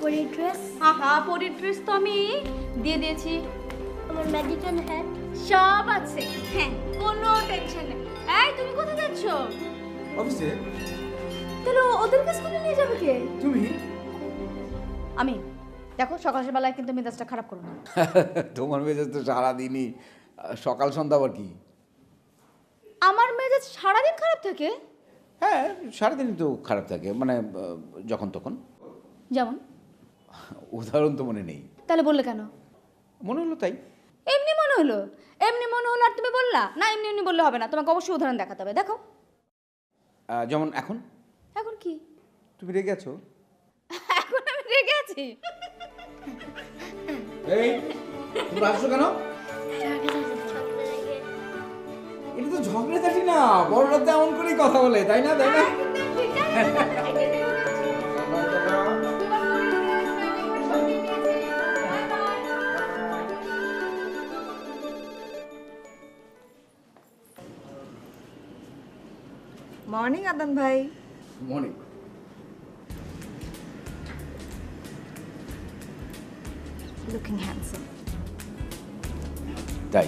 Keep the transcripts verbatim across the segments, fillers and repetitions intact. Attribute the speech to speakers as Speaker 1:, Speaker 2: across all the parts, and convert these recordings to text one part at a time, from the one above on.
Speaker 1: পরীর ড্রেস?
Speaker 2: আহা, পরীর ড্রেস তো আমি দিয়ে দিয়েছি।
Speaker 1: আমার ম্যাজিক্যাল হ্যাট?
Speaker 2: সব আছে, হ্যাঁ, কোনো টেনশন নেই। এই, তুমি কোথায় যাচ্ছ?
Speaker 3: অফিসে।
Speaker 2: তাহলে ওদেরকে স্কুলে নিয়ে যাবে কে?
Speaker 3: তুমি?
Speaker 2: আমি। দেখো, সকাল বেলায় কিন্তু মেজাজটা খারাপ করো না।
Speaker 3: তোমার মেজাজ তো সারাদিনই, সকাল সন্ধ্যা আবার কি?
Speaker 2: আমার মেজাজ সারাদিন খারাপ থাকে।
Speaker 3: হ্যাঁ, সারাদিনই তো খারাপ থাকে, মানে আহ, যখন তখন।
Speaker 2: যেমন?
Speaker 3: উদাহরণ তো মনে নেই।
Speaker 2: তাহলে বললে কেন?
Speaker 3: মনে হলো তাই।
Speaker 2: এমনি মনে হলো, এমনি মনে হলো আর তুমি বললা না? এমনি এমনি বললে হবে না, তোমাকে অবশ্যই উদাহরণ দেখাতে হবে। দেখো।
Speaker 3: আহ, যেমন এখন
Speaker 2: এখন কি?
Speaker 3: তুমি রেগে আছো।
Speaker 2: এখন আমি রেগে আছি?
Speaker 3: এই, তুমি আসছো কেন? এটা তো ঝগড়াঝাটি না, বড়রা তো এমন করেই কথা বলে, তাই না? তাই না?
Speaker 4: মর্নিং আদান ভাই।
Speaker 3: মনে
Speaker 4: লুকিং হ্যান্ডসাম।
Speaker 3: তাই।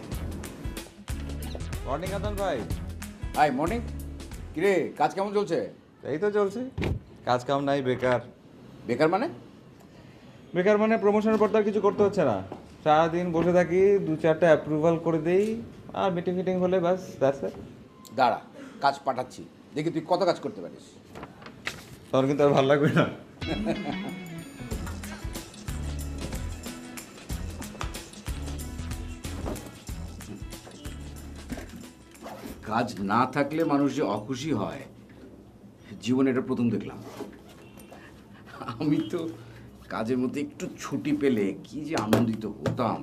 Speaker 5: মর্নিং আদান ভাই।
Speaker 3: Hi morning. কিরে, কাজ কেমন চলছে?
Speaker 5: এই তো চলছে, কাজ কাম নাই, বেকার।
Speaker 3: বেকার মানে?
Speaker 5: বেকার মানে প্রমোশনের পর তো আর কিছু করতে হচ্ছে না, সারাদিন বসে থাকি, দু চারটা অ্যাপ্রুভাল করে দেই, আর মিটিং ফিটিং হলে ব্যাস, দ্যাটস ইট।
Speaker 3: দাঁড়া, কাজ পাঠাচ্ছি, দেখি তুই কত কাজ করতে পারিস।
Speaker 5: তখন কিন্তু আর ভালো লাগবে না।
Speaker 3: কাজ না থাকলে মানুষ যে অখুশি হয়, জীবনে এটা প্রথম দেখলাম। আমি তো কাজের মধ্যে একটু ছুটি পেলে কি যে আনন্দিত হতাম।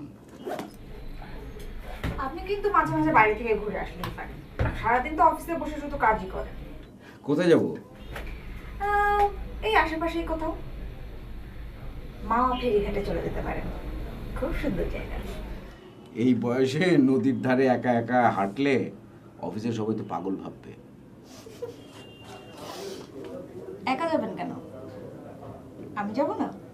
Speaker 4: আপনি কিন্তু মাঝে মাঝে বাইরে থেকে ঘুরে আসলেই পারেন, সারাদিন তো অফিসে বসে শুধু কাজই করেন।
Speaker 3: কোথায় যাব?
Speaker 4: আহ, এই আশেপাশেই কোথাও। মা ফেরিঘাটে চলে যেতে পারেন, খুব সুন্দর জায়গা।
Speaker 3: এই বয়সে নদীর ধারে একা একা হাঁটলে অফিসে সবাই তো পাগল ভাববে।
Speaker 4: একা যাবেন কেন? আমি যাব না?